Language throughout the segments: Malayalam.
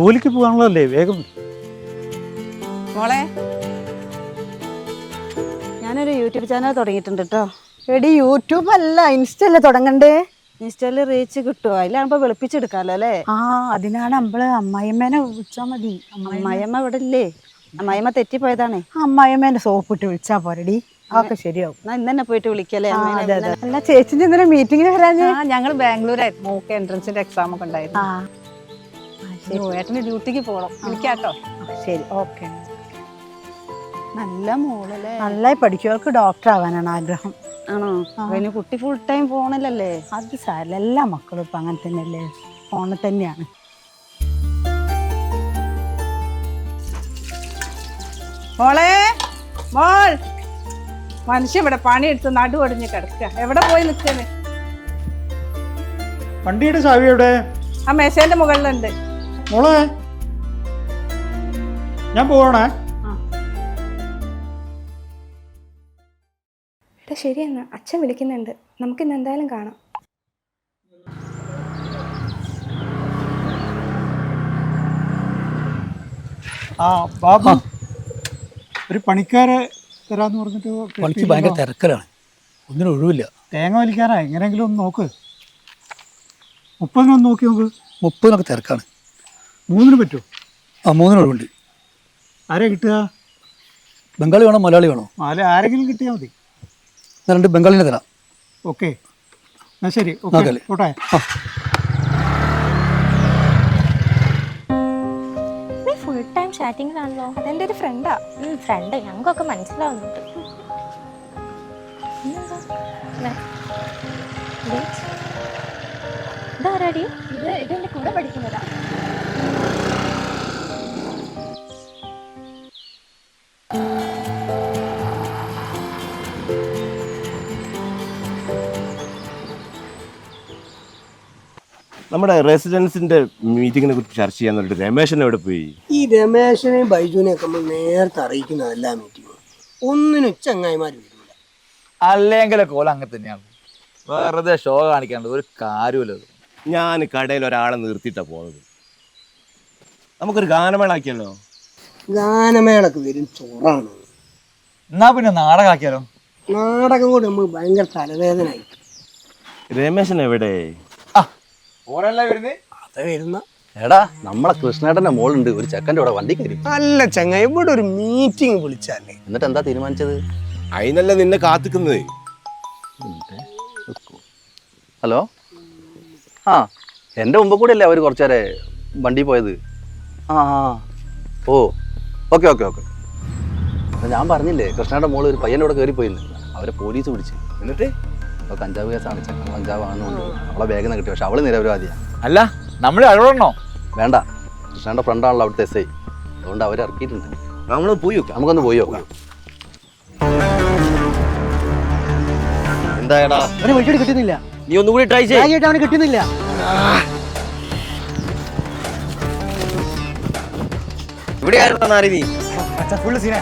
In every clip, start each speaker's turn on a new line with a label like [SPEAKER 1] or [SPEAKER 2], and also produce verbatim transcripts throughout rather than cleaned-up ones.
[SPEAKER 1] ജോലിക്ക് പോകാനുള്ളതല്ലേ, വേഗം.
[SPEAKER 2] മോളെ, ഞാനൊരു യൂട്യൂബ് ചാനൽ തുടങ്ങിയിട്ടുണ്ട് കേട്ടോ. എടി യൂട്യൂബ് അല്ല, ഇൻസ്റ്റല്ലേ തുടങ്ങണ്ടേ? ഇൻസ്റ്റയില് റീച്ച് കിട്ടുമോ? അതിലാകുമ്പോ വെളുപ്പിച്ചെടുക്കാമല്ലോ അല്ലേ?
[SPEAKER 3] ആ, അതിനാണ് നമ്മള് അമ്മായിമ്മേനെ വിളിച്ചാൽ മതി.
[SPEAKER 2] അമ്മായിയമ്മ ഇവിടെ ഇല്ലേ? അമ്മായിയമ്മ തെറ്റിപ്പോയതാണേ.
[SPEAKER 3] അമ്മായിമ്മേനെ സോപ്പിട്ട് വിളിച്ചാൽ പോരടി, അതൊക്കെ ശരിയാവും.
[SPEAKER 2] എന്നാ ഇന്ന് തന്നെ പോയിട്ട് വിളിക്കല്ലേ?
[SPEAKER 3] അല്ല, ചേച്ചിന്റെ ഇന്നലെ മീറ്റിങ്ങിന് വരാഞ്ഞേ?
[SPEAKER 4] ഞങ്ങൾ ബാംഗ്ലൂരായിരുന്നു, മോക്ക് എൻട്രൻസിന്റെ എക്സാം ഒക്കെ ഉണ്ടായിരുന്നു. ഏട്ടന് ഡ്യൂട്ടിക്ക് പോകണം, വിളിക്കാട്ടോ.
[SPEAKER 3] ശരി, ഓക്കെ.
[SPEAKER 2] നല്ല മോളല്ലേ,
[SPEAKER 3] നന്നായി പഠിക്കുവർക്ക് ഡോക്ടർ ആവാനാണ് ആഗ്രഹം.
[SPEAKER 2] ആണോ? അതിന് കുട്ടി ഫുൾ ടൈം ഫോണിലല്ലേ?
[SPEAKER 3] അത് സാരല്ല, എല്ലാ മക്കളും ഇപ്പൊ അങ്ങനെ തന്നെയല്ലേ, ഫോണിൽ തന്നെയാണ്.
[SPEAKER 4] മോളെ, മോൾ, മനുഷ്യ ഇവിടെ പണിയെടുത്ത് നടുവടിഞ്ഞ് കിടക്കുക. എവിടെ പോയി നിൽക്കുന്നത്?
[SPEAKER 1] വണ്ടിയുടെ ചാവി എവിടെ?
[SPEAKER 4] ആ മേശേന്റെ മുകളിലുണ്ട്.
[SPEAKER 1] മോളെ, ഞാൻ പോവാണേ.
[SPEAKER 5] എടാ ശരി, എന്നാ അച്ഛൻ വിളിക്കുന്നുണ്ട്, നമുക്കിന്ന് എന്തായാലും കാണാം.
[SPEAKER 1] ആ ബാബു, ഒരു പണിക്കാരെ തരാന്ന് പറഞ്ഞിട്ട്
[SPEAKER 6] പണിക്ക് ഭയങ്കര തിരക്കലാണ്, ഒന്നിനും ഒഴിവില്ല.
[SPEAKER 1] തേങ്ങ വലിക്കാനാ, എങ്ങനെയെങ്കിലും ഒന്ന് നോക്ക്. മുപ്പതിനൊന്ന് നോക്കി നോക്ക്.
[SPEAKER 6] മുപ്പതിനൊക്കെ തിരക്കാണ്.
[SPEAKER 1] മൂന്നിന് പറ്റുമോ?
[SPEAKER 6] ആ, മൂന്നിന് ഒഴിവുണ്ട്.
[SPEAKER 1] ആരെയാ കിട്ടുക?
[SPEAKER 6] ബംഗാളി വേണോ മലയാളി വേണോ?
[SPEAKER 1] അല്ല, ആരെങ്കിലും കിട്ടിയാൽ മതി.
[SPEAKER 6] ഞാൻ രണ്ട് ബംഗാളിനെ തരാം.
[SPEAKER 1] ഓക്കെ, എന്നാ ശരി. ഓക്കെ, പോട്ടെ.
[SPEAKER 5] ഫുൾ ടൈം ചാറ്റിങ്ങിലാണല്ലോ. അതെൻ്റെ ഒരു ഫ്രണ്ടാ. ഫ്രണ്ട്, ഞങ്ങൾക്കൊക്കെ മനസ്സിലാവുന്നുണ്ട്. ഇതാരാടി? ഇത് ഇതെൻ്റെ കൂടെ പഠിക്കുന്നതാ.
[SPEAKER 7] നമ്മുടെ റെസിഡൻസിന്റെ മീറ്റിങ്ങിനെ കുറിച്ച് ചർച്ച ചെയ്യാൻ വേണ്ടിട്ട് രമേശൻ എവിടെ പോയി?
[SPEAKER 8] ഈ രമേശനെയും ബൈജുവിനെയൊക്കെ നമ്മൾ നേരത്തെ അറിയിക്കുന്നതല്ല മീറ്റിംഗ്. ഒന്നിനും ചങ്ങായിമാർ വരില്ല.
[SPEAKER 9] അല്ലെങ്കിലൊക്കെ ഓല അങ്ങനെ തന്നെയാണ്, വെറുതെ ഷോ കാണിക്കാണ്ട് ഒരു കാര്യമില്ല.
[SPEAKER 7] ഞാൻ കടയിൽ ഒരാളെ നിർത്തിയിട്ടാ പോകുന്നത്. നമുക്കൊരു ഗാനമേള ആക്കിയല്ലോ.
[SPEAKER 8] ഗാനമേളക്ക് വരും ചോറാണ്.
[SPEAKER 9] എന്നാ പിന്നെ നാടകമാക്കിയാലോ?
[SPEAKER 8] നാടകം കൂടെ നമ്മൾ ഭയങ്കര തലവേദനയായി.
[SPEAKER 7] രമേശൻ എവിടെ?
[SPEAKER 8] വരുന്ന
[SPEAKER 9] എടാ, നമ്മളെ കൃഷ്ണേട്ടന്റെ മോളുണ്ട്, ഒരു ചെക്കൻ്റെ കൂടെ വണ്ടി കയറി.
[SPEAKER 8] അല്ല ചങ്ങായി, ഇവിടെ ഒരു മീറ്റിംഗ് വിളിച്ചല്ലേ.
[SPEAKER 9] എന്നിട്ട് എന്താ തീരുമാനിച്ചത്?
[SPEAKER 7] അതിനല്ല നിന്നെ കാത്തിക്കുന്നത്.
[SPEAKER 9] ഹലോ, ആ എൻ്റെ മുമ്പ് കൂടെ അല്ലേ അവർ കുറച്ചേരെ വണ്ടി പോയത്? ആ ആ ഓ ഓക്കെ ഓക്കെ ഓക്കെ. ഞാൻ പറഞ്ഞില്ലേ, കൃഷ്ണയുടെ മോള് ഒരു പയ്യൻ്റെ കൂടെ കയറിപ്പോയിന്ന്, അവരെ പോലീസ് പിടിച്ച്. എന്നിട്ട് അപ്പോൾ കഞ്ചാവ് കേസാണ്, ചെക്കൻ കഞ്ചാവ് ആണെന്നുണ്ട്. അവളെ വേഗം കിട്ടി, പക്ഷെ അവള് നിരപരാധിയാണ്.
[SPEAKER 10] അല്ല, നമ്മൾ ഇടപെടണോ?
[SPEAKER 9] വേണ്ട, കൃഷ്ണയുടെ ഫ്രണ്ടാണല്ലോ അവിടുത്തെ എസ് ഐ, അതുകൊണ്ട് അവരെ ഇറക്കിയിട്ടുണ്ട്.
[SPEAKER 7] നമ്മൾ പോയി നോക്കാം.
[SPEAKER 9] നമുക്കൊന്ന് പോയി നോക്കാം.
[SPEAKER 7] എന്തായടാ,
[SPEAKER 8] അവന് വഴിയോട് കിട്ടുന്നില്ല.
[SPEAKER 7] നീ ഒന്നുകൂടി ട്രൈ ചെയ്യ്.
[SPEAKER 8] അവന് കിട്ടുന്നില്ല.
[SPEAKER 7] ഇവിടെ ആയിരുന്നാ നീ?
[SPEAKER 10] ഫുള്ള് സീനാ.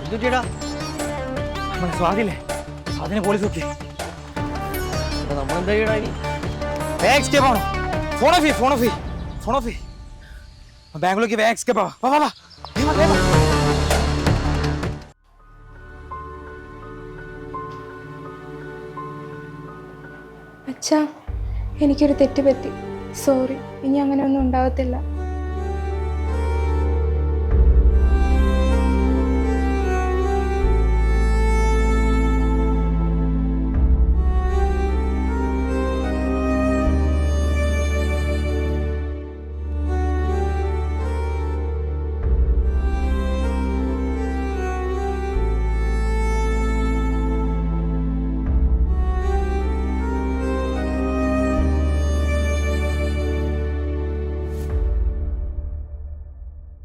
[SPEAKER 10] സ്വാതില്ലേ, അതിനെ പോലീസ് നോക്കി.
[SPEAKER 7] നമ്മളെന്താ ചെയ്യണ?
[SPEAKER 10] വേഗം എസ്കേപ്പ് ആവണം. ഫോൺ ഓഫ് ചെയ്യ്, ഫോൺ ഓഫ് ചെയ്യ്, ഫോൺ ഓഫ് ചെയ്യ്. ബാംഗ്ലൂർക്ക് വേഗം എസ്കേപ്പ് ആവാ. വാ വാ വാ.
[SPEAKER 5] അച്ഛാ, എനിക്കൊരു തെറ്റ് പറ്റി. സോറി, ഇനി അങ്ങനെ ഒന്നും ഉണ്ടാവത്തില്ല.